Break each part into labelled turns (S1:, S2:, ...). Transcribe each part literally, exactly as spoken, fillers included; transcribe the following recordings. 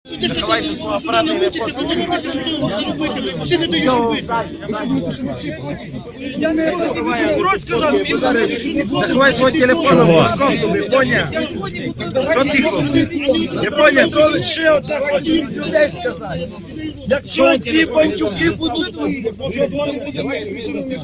S1: Давайте свого апарату не
S2: Заховай свого телефона в Московську, поняв? Що тихо? Не поняв? То лише отак хотів людей сказати. Якщо ці бандюки будуть вас, щоб вони будуть...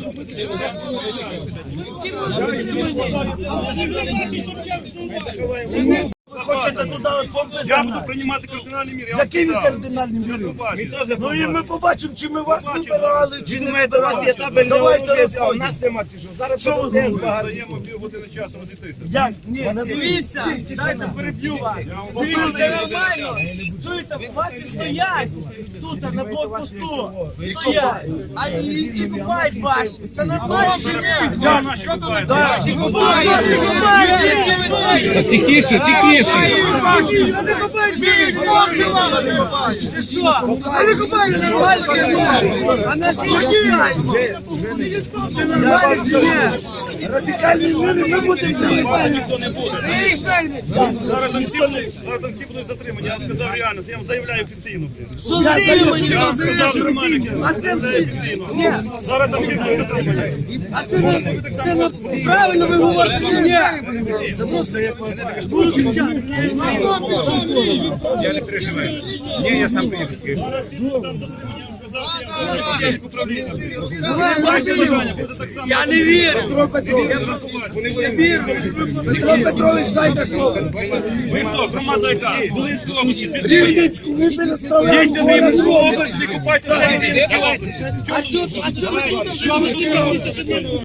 S2: Хочете туди помпи?
S3: Я буду приймати кардинальні міри.
S2: Який ви кардинальні міри? Ну і ми побачимо, чи ми вас вибирали, чи не вибирали. Давайте розповідь.
S3: Нас нема тішу. Зараз
S2: Що ви говорите?
S3: даємо півгодини часу розійтися.
S2: Як? Ні,
S4: Дивіться, дайте переб'ю вас. Дивіться, це нормально. Чуєте, ваші стоять тут на блокпосту. Стоять. А і ті купають ваші. Це нормально чи ні?
S3: Наші купають.
S4: Ваші купають. Ваші купають.
S5: Тихіше, тихіше.
S4: Вони купають. Бій, Ти що? Вони купають нормально чи ні? А наші купають. Це нормально чи ні?
S2: радикальні міри ми будемо заїбати.
S3: Ніхто не буде. Зараз там всі будуть- зараз там всі будуть затримані. Я вам сказав реально. Я вам заявляю офіційно.
S4: Що затримані?
S3: Я вам сказав нормально.
S4: А це все. Ні.
S3: Зараз там всі будуть затримані.
S4: А це не, це не правильно ви говорите чи ні?
S5: Я не переживаю. Ні, я сам приїду.
S3: Зараз всі будуть там затримані. Я вам сказав, Дайте питання, буде так само.
S4: Я не вірю.
S2: Петро Петрович, Петро Петрович, дайте слово.
S3: Ви хто? Громада яка? Волинської області.
S2: Рівненську ви переставляєте.
S3: Їдьте в Рівненську область, ви купайтеся в Рівненській області.
S4: А чого? А чого?